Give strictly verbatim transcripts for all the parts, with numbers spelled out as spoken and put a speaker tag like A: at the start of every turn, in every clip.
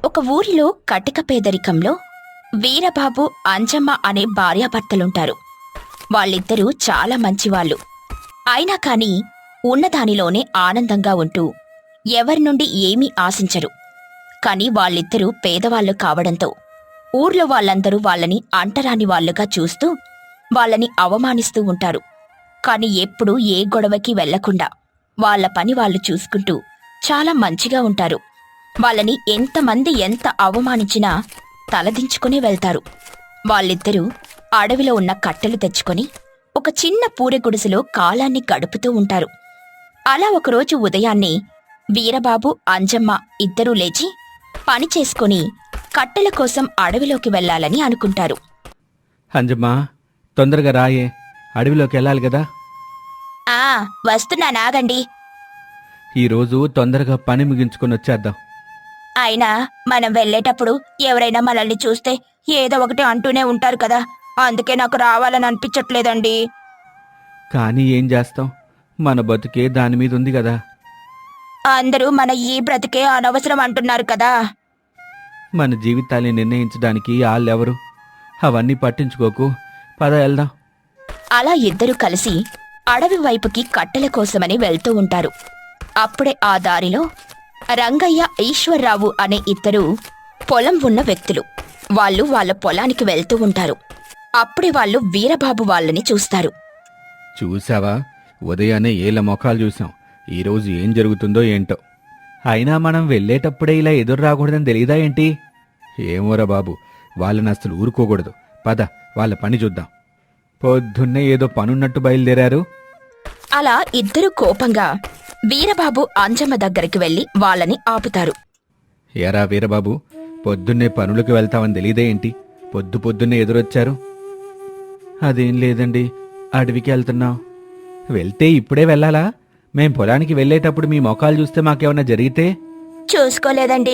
A: ఒక ఊరిలో కటిక పేదరికంలో వీరబాబు అంజమ్మ అనే భార్యాభర్తలుంటారు. వాళ్ళిద్దరూ చాలా మంచివాళ్లు. అయినా కాని ఉన్నదానిలోనే ఆనందంగా ఉంటూ ఎవరి నుండి ఏమీ ఆశించరు. కాని వాళ్ళిద్దరూ పేదవాళ్లు కావడంతో ఊర్లో వాళ్ళందరూ వాళ్ళని అంటరాని వాళ్లుగా చూస్తూ వాళ్ళని అవమానిస్తూ ఉంటారు. కాని ఎప్పుడూ ఏ గొడవకి వెళ్లకుండా వాళ్ల పని వాళ్ళు చూసుకుంటూ చాలా మంచిగా ఉంటారు. వాళ్ళని ఎంతమంది ఎంత అవమానించినా తలదించుకుని వెళ్తారు. వాళ్ళిద్దరూ అడవిలో ఉన్న కట్టెలు తెచ్చుకొని ఒక చిన్న పూరె గుడిసెలో కాలాన్ని గడుపుతూ ఉంటారు. అలా ఒకరోజు ఉదయాన్నే వీరబాబు అంజమ్మ ఇద్దరూ లేచి పని చేసుకుని కట్టెల కోసం అడవిలోకి వెళ్లాలని అనుకుంటారు.
B: అంజమ్మా, తొందరగా రాయే, అడవిలోకి వెళ్ళాలి కదా.
A: ఆ వస్తున్నానాగండి.
B: ఈరోజు తొందరగా పని ముగించుకొని వచ్చేద్దాం.
A: అయినా మనం వెళ్లేటప్పుడు ఎవరైనా మనల్ని చూస్తే ఏదో ఒకటి అంటూనే ఉంటారు కదా, అందుకే నాకు రావాలని అనిపించట్లేదండి.
B: కానీ ఏం చేస్తాం, మన బతుకే దాని మీద ఉంది కదా.
A: అందరూ మన ఈ బ్రతికే అనవసరం అంటున్నారు కదా.
B: మన జీవితాన్ని నిర్ణయించడానికి వాళ్ళెవరు? అవన్నీ పట్టించుకోకు, పద వెళ్దాం.
A: అలా ఇద్దరూ కలిసి అడవి వైపుకి కట్టెల కోసమని వెళ్తూ ఉంటారు. అప్పుడే ఆ దారిలో రంగయ్య, ఈశ్వర్రావు అనే ఇద్దరు పొలం ఉన్న వ్యక్తులు. వాళ్ళు వాళ్ళ పొలానికి వెళ్తూ ఉంటారు. అప్పుడే వాళ్ళు వీరబాబు వాళ్ళని చూస్తారు.
B: చూసావా, ఉదయాన్నే ఏళ్ళ మొఖాలు చూసాం. ఈరోజు ఏం జరుగుతుందో ఏంటో. అయినా మనం వెళ్ళేటప్పుడే ఇలా ఎదురు రాకూడదని తెలియదా ఏంటి? ఏమోరా బాబు, వాళ్ళని అసలు ఊరుకోకూడదు. పద, వాళ్ళ పని చూద్దాం. పొద్దున్నే ఏదో పనున్నట్టు బయలుదేరారు.
A: అలా ఇద్దరు కోపంగా వీరబాబు అంజమ్మ దగ్గరికి వెళ్లి వాళ్ళని ఆపుతారు.
B: ఏరా వీరబాబు, పొద్దున్నే పనులకు వెళ్తామని తెలియదే ఏంటి? పొద్దు పొద్దున్నే ఎదురొచ్చారు. అదేం లేదండి, అడవికి వెళ్తున్నాం. వెళ్తే ఇప్పుడే వెళ్ళాలా? మేం పొలానికి వెళ్ళేటప్పుడు మీ మొఖాలు చూస్తే మాకేమన్నా జరిగితే?
A: చూసుకోలేదండి.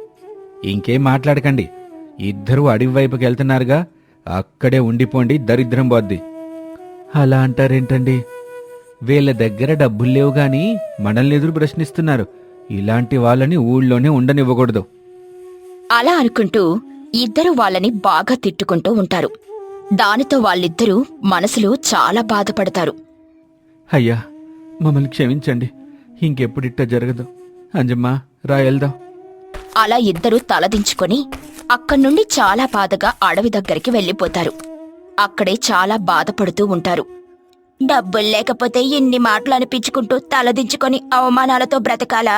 B: ఇంకేం మాట్లాడకండి. ఇద్దరూ అడవి వైపుకి వెళ్తున్నారుగా, అక్కడే ఉండిపోండి, దరిద్రం పోద్ది. అలా అంటారేంటండి? వీళ్ళ దగ్గర డబ్బులు లేవు గాని మనల్ని ఎదురు ప్రశ్నిస్తున్నారు. ఇలాంటి వాళ్ళని ఊళ్ళోనే ఉండనివ్వకూడదు.
A: అలా అనుకుంటూ ఇద్దరు వాళ్ళని బాగా తిట్టుకుంటూ ఉంటారు. దానితో వాళ్ళిద్దరూ మనసులో చాలా బాధపడతారు.
B: అయ్యా, మమ్మల్ని క్షమించండి, ఇంకెప్పుడిట్టా జరగదు. అంజమ్మా, రా వెళ్దాం.
A: అలా ఇద్దరూ తలదించుకొని అక్కడ్నుండి చాలా బాధగా అడవి దగ్గరికి వెళ్ళిపోతారు. అక్కడే చాలా బాధపడుతూ ఉంటారు. డబ్బులు లేకపోతే ఇన్ని మాటలు అనిపించుకుంటూ తలదించుకొని అవమానాలతో బ్రతకాలా?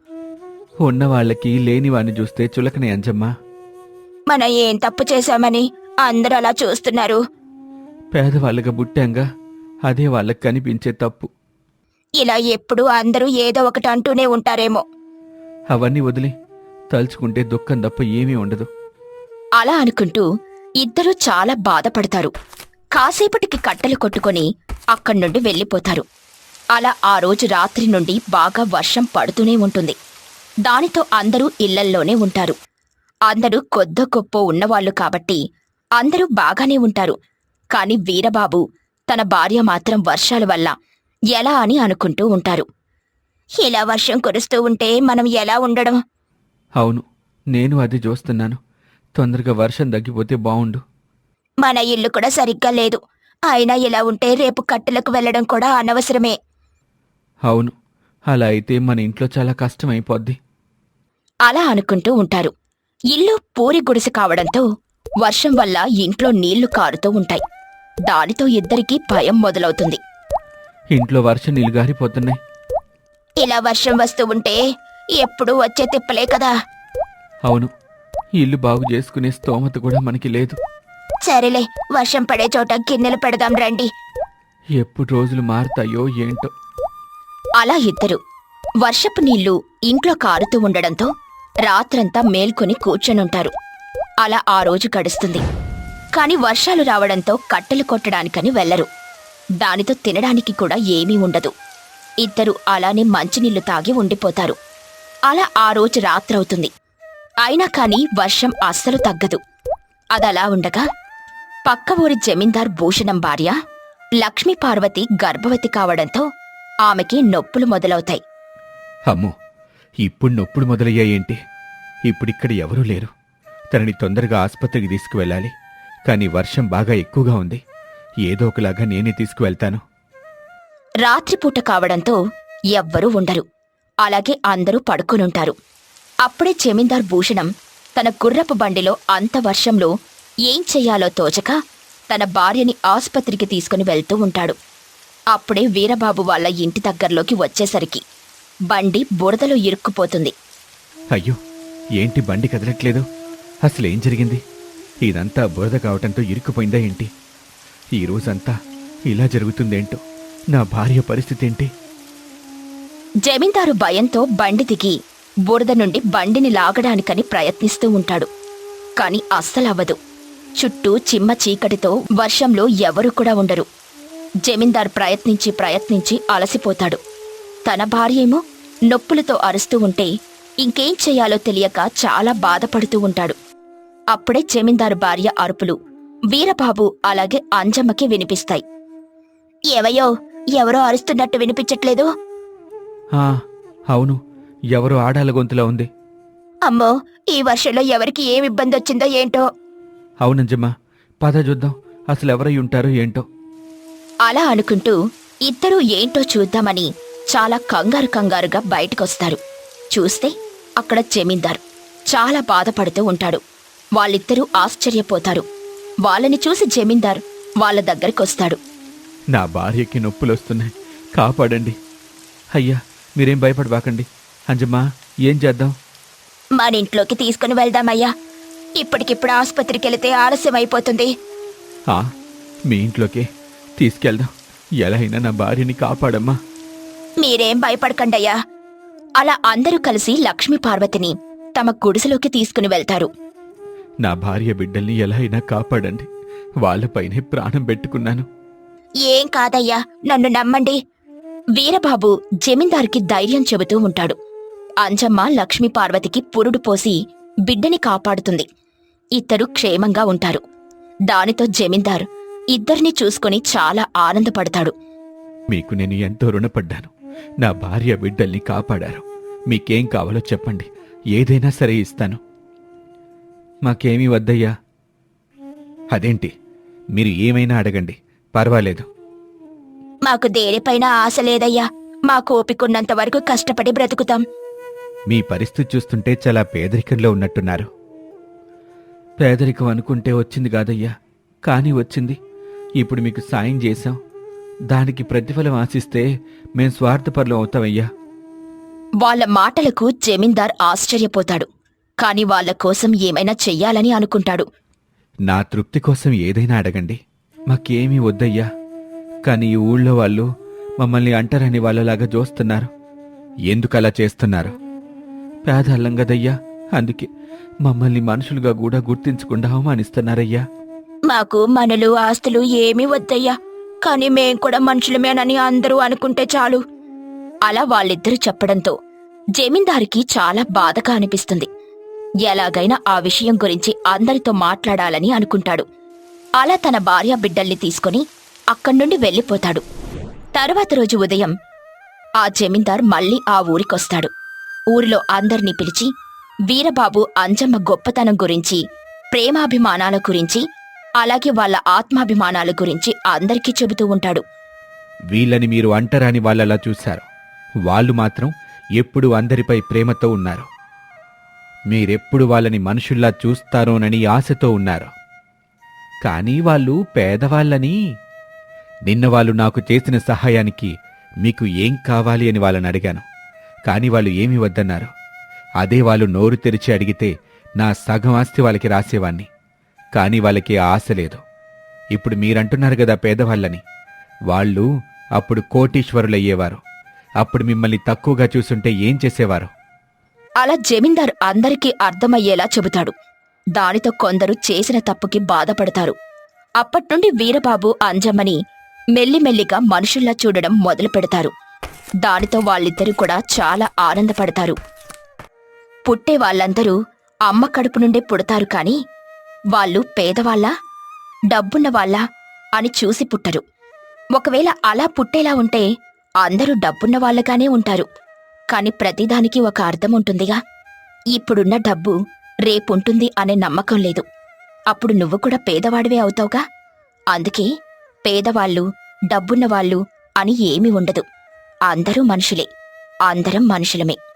B: ఉన్నవాళ్లకి లేనివాణ్ణి చూస్తే చులకనే అంజమ్మా.
A: మనం ఏం తప్పు చేశామని అందరూ అలా చూస్తున్నారు?
B: పేదవాళ్ళగా పుట్టాంగా, అదే వాళ్ళకి కనిపించే తప్పు.
A: ఇలా ఎప్పుడూ అందరూ ఏదో ఒకటి అంటూనే ఉంటారేమో.
B: అవన్నీ వదిలి తలుచుకుంటే దుఃఖం తప్ప ఏమీ ఉండదు.
A: అలా అనుకుంటూ ఇద్దరూ చాలా బాధపడతారు. కాసేపటికి కట్టెలు కొట్టుకొని అక్కడ్నుండి వెళ్ళిపోతారు. అలా ఆ రోజు రాత్రి నుండి బాగా వర్షం పడుతూనే ఉంటుంది. దానితో అందరూ ఇళ్లల్లోనే ఉంటారు. అందరూ కొద్దో గొప్పో ఉన్నవాళ్లు కాబట్టి అందరూ బాగానే ఉంటారు. కాని వీరబాబు తన భార్య మాత్రం వర్షాల వల్ల ఎలా అని అనుకుంటూ ఉంటారు. ఇలా వర్షం కురుస్తూ ఉంటే మనం ఎలా ఉండడం?
B: అవును, నేను అది చూస్తున్నాను. తొందరగా వర్షం తగ్గిపోతే బావుండు.
A: మన ఇల్లు కూడా సరిగ్గా లేదు. అయినా ఇలా ఉంటే రేపు కట్టెలకు వెళ్లడం కూడా అనవసరమే.
B: అవును, అలా అయితే మన ఇంట్లో చాలా కష్టమైపోద్ది.
A: అలా అనుకుంటూ ఉంటారు. ఇల్లు పూరి గుడిసె కావడంతో వర్షం వల్ల ఇంట్లో నీళ్లు కారుతూ ఉంటాయి. దానితో ఇద్దరికీ భయం మొదలవుతుంది.
B: ఇంట్లో వర్షం నీళ్లు గారిపోతున్నాయి.
A: ఇలా వర్షం వస్తూ ఉంటే ఎప్పుడూ వచ్చే తిప్పలే కదా.
B: అవును, ఇల్లు బాగు చేసుకునే స్తోమత కూడా మనకి లేదు.
A: సరేలే, వర్షం పడే చోట గిన్నెలు పెడదాం రండి.
B: ఎప్పుడు రోజులు మారుతాయో ఏంటో.
A: అలా ఇద్దరు వర్షపు నీళ్లు ఇంట్లో కారుతూ ఉండడంతో రాత్రంతా మేల్కొని కూర్చొనుంటారు. అలా ఆ రోజు గడుస్తుంది. కాని వర్షాలు రావడంతో కట్టెలు కొట్టడానికని వెళ్లరు. దానితో తినడానికి కూడా ఏమీ ఉండదు. ఇద్దరు అలానే మంచినీళ్లు తాగి ఉండిపోతారు. అలా ఆ రోజు రాత్రవుతుంది. అయినా కాని వర్షం అస్సలు తగ్గదు. అదలా ఉండగా పక్క ఊరి జమీందార్ భూషణం భార్య లక్ష్మీపార్వతి గర్భవతి కావడంతో ఆమెకి నొప్పులు మొదలవుతాయి.
B: అమ్మో, ఇప్పుడు నొప్పులు మొదలయ్యాయేంటి? ఇప్పుడిక్కడ ఎవరూ లేరు. తనని తొందరగా ఆసుపత్రికి తీసుకువెళ్ళాలి. కానీ వర్షం బాగా ఎక్కువగా ఉంది. ఏదో ఒకలాగా నేనే తీసుకువెళ్తాను.
A: రాత్రిపూట కావడంతో ఎవ్వరూ ఉండరు. అలాగే అందరూ పడుకునుంటారు. అప్పుడే జమీందార్ భూషణం తన గుర్రపు బండిలో అంత వర్షంలో ఏం చెయ్యాలో తోచక తన భార్యని ఆసుపత్రికి తీసుకుని వెళ్తూ ఉంటాడు. అప్పుడే వీరబాబు వాళ్ళ ఇంటి దగ్గరలోకి వచ్చేసరికి బండి బురదలో ఇరుక్కుపోతుంది.
B: అయ్యో, ఏంటి బండి కదలట్లేదు? అసలేం జరిగింది? ఇదంతా బురద కావటంతో ఇరుక్కుపోయిందా ఏంటి? ఈ రోజంతా ఇలా జరుగుతుందేంటో. నా భార్య పరిస్థితి ఏంటి?
A: జమీందారు భయంతో బండి దిగి బురద నుండి బండిని లాగడానికని ప్రయత్నిస్తూ ఉంటాడు. కాని అస్సలవ్వదు. చుట్టూ చిమ్మ చీకటితో వర్షంలో ఎవరూ కూడా ఉండరు. జమీందార్ ప్రయత్నించి ప్రయత్నించి అలసిపోతాడు. తన భార్యేమో నొప్పులతో అరుస్తూ ఉంటే ఇంకేం చెయ్యాలో తెలియక చాలా బాధపడుతూ ఉంటాడు. అప్పుడే జమీందారు భార్య అరుపులు వీరబాబు అలాగే అంజమ్మకి వినిపిస్తాయి. ఏవయ్యో, ఎవరో అరుస్తున్నట్టు వినిపించట్లేదు?
B: ఆ, అవును, ఎవరో ఆడాల గొంతులా ఉంది.
A: అమ్మో, ఈ వర్షంలో ఎవరికి ఏం ఇబ్బంది వచ్చిందో ఏంటో.
B: అవునంజమ్మా, పద చూద్దాం అసలు ఎవరై ఉంటారో ఏంటో.
A: అలా అనుకుంటూ ఇద్దరూ ఏంటో చూద్దామని చాలా కంగారు కంగారుగా బయటకొస్తారు. చూస్తే అక్కడ జమీందార్ చాలా బాధపడుతూ ఉంటాడు. వాళ్ళిద్దరూ ఆశ్చర్యపోతారు. వాళ్ళని చూసి జమీందార్ వాళ్ళ దగ్గరికొస్తాడు.
B: నా భార్యకి నొప్పులొస్తున్నాయి, కాపాడండి. అయ్యా, మీరేం భయపడబాకండి. అంజమ్మా, ఏం చేద్దాం?
A: మన ఇంట్లోకి తీసుకుని వెళ్దామయ్యా. ఇప్పటికిప్పుడు ఆసుపత్రికి వెళితే ఆలస్యం అయిపోతుంది.
B: ఆ, మీ ఇంట్లోకే తీసుకెళ్దాం. ఎలా అయినా నా భార్యని కాపాడమ్మా.
A: మీరేం భయపడకండయ్యా. అలా అందరూ కలిసి లక్ష్మీ పార్వతిని తమ గుడిసెలోకి తీసుకుని వెళ్తారు.
B: నా భార్య బిడ్డల్ని ఎలా అయినా కాపాడండి. వాళ్లపైనే ప్రాణం పెట్టుకున్నాను.
A: ఏం కాదయ్యా, నన్ను నమ్మండి. వీరబాబు జమీందార్కి ధైర్యం చెబుతూ ఉంటాడు. అంజమ్మ లక్ష్మీ పార్వతికి పురుడు పోసి బిడ్డని కాపాడుతుంది. ఇద్దరు క్షేమంగా ఉంటారు. దానితో జమీందార్ ఇద్దరిని చూసుకుని చాలా ఆనందపడతాడు.
B: మీకు నేను ఎంతో రుణపడ్డాను. నా భార్య బిడ్డల్ని కాపాడారు. మీకేం కావాలో చెప్పండి, ఏదైనా సరే ఇస్తాను. మాకేమీ వద్దయ్యా. అదేంటి, మీరు ఏమైనా అడగండి, పర్వాలేదు.
A: మాకు దేనిపైన ఆశ లేదయ్యా. మాకు ఓపికన్నంత వరకు కష్టపడి బ్రతుకుతాం.
B: మీ పరిస్థితి చూస్తుంటే చాలా పేదరికంలో ఉన్నట్టున్నారు. పేదరికం అనుకుంటే వచ్చింది కాదయ్యా, కానీ వచ్చింది. ఇప్పుడు మీకు సాయం చేశాం. దానికి ప్రతిఫలం ఆశిస్తే మేం స్వార్థపరులం అవుతామయ్యా.
A: వాళ్ళ మాటలకు జమీందార్ ఆశ్చర్యపోతాడు. కాని వాళ్ల కోసం ఏమైనా చెయ్యాలని అనుకుంటాడు.
B: నా తృప్తి కోసం ఏదైనా అడగండి, మాకేమీ వద్దయ్యా. కానీ ఈ ఊళ్ళో వాళ్ళు మమ్మల్ని అంటరని వాళ్ళలాగా చూస్తున్నారు. ఎందుకలా చేస్తున్నారు? పేదల్లం గదయ్యా, అందుకే మమ్మల్ని మనుషులుగా కూడా గుర్తించకుండా అవమానిస్తున్నారయ్యా.
A: మాకు మనలు ఆస్తులు ఏమీ వద్దయ్యా. కాని మేం కూడా మనుషులమేనని అందరూ అనుకుంటే చాలు. అలా వాళ్ళిద్దరూ చెప్పడంతో జమీందారికి చాలా బాధగా అనిపిస్తుంది. ఎలాగైనా ఆ విషయం గురించి అందరితో మాట్లాడాలని అనుకుంటాడు. అలా తన భార్య బిడ్డల్ని తీసుకుని అక్కడ్నుండి వెళ్ళిపోతాడు. తరువాత రోజు ఉదయం ఆ జమీందార్ మళ్ళీ ఆ ఊరికొస్తాడు. ఊరిలో అందర్నీ పిలిచి వీరబాబు అంజమ్మ గొప్పతనం గురించి, ప్రేమాభిమానాల గురించి, అలాగే వాళ్ళ ఆత్మాభిమానాల గురించి అందరికీ చెబుతూ ఉంటాడు.
B: వీళ్ళని మీరు అంటరాని వాళ్ళలా చూశారు. వాళ్ళు మాత్రం ఎప్పుడూ అందరిపై ప్రేమతో ఉన్నారు. మీరెప్పుడు వాళ్ళని మనుషుల్లా చూస్తారోనని ఆశతో ఉన్నారు. కానీ వాళ్ళు పేదవాళ్ళని. నిన్న వాళ్ళు నాకు చేసిన సహాయానికి మీకు ఏం కావాలి అని వాళ్ళని అడిగాను. కాని వాళ్ళు ఏమీ వద్దన్నారు. అదే వాళ్ళు నోరు తెరిచి అడిగితే నా సగం ఆస్తి వాళ్ళకి రాసేవాణ్ణి. కాని వాళ్ళకి ఆశ లేదు. ఇప్పుడు మీరంటున్నారు గదా పేదవాళ్ళని. వాళ్ళు అప్పుడు కోటీశ్వరులయ్యేవారు. అప్పుడు మిమ్మల్ని తక్కువగా చూసుంటే ఏం చేసేవారు?
A: అలా జమీందార్ అందరికీ అర్థమయ్యేలా చెబుతాడు. దానితో కొందరు చేసిన తప్పుకి బాధపడతారు. అప్పట్నుండి వీరబాబు అంజమ్మని మెల్లిమెల్లిగా మనుషుల్లా చూడడం మొదలు పెడతారు. దానితో వాళ్ళిద్దరూ కూడా చాలా ఆనందపడతారు. పుట్టే వాళ్ళందరూ అమ్మ కడుపు నుండే పుడతారు. కాని వాళ్ళు పేదవాళ్ళా, డబ్బున్నవాళ్ళా అని చూసి పుట్టరు. ఒకవేళ అలా పుట్టేలా ఉంటే అందరూ డబ్బున్న వాళ్ళగానే ఉంటారు. కాని ప్రతిదానికి ఒక అర్థం ఉంటుందిగా. ఇప్పుడున్న డబ్బు రేపుంటుంది అనే నమ్మకం లేదు. అప్పుడు నువ్వు కూడా పేదవాడివే అవుతావుగా. అందుకే పేదవాళ్ళు, డబ్బున్నవాళ్ళు అని ఏమీ ఉండదు. అందరూ మనుషులే. అందరం మనుషులమే.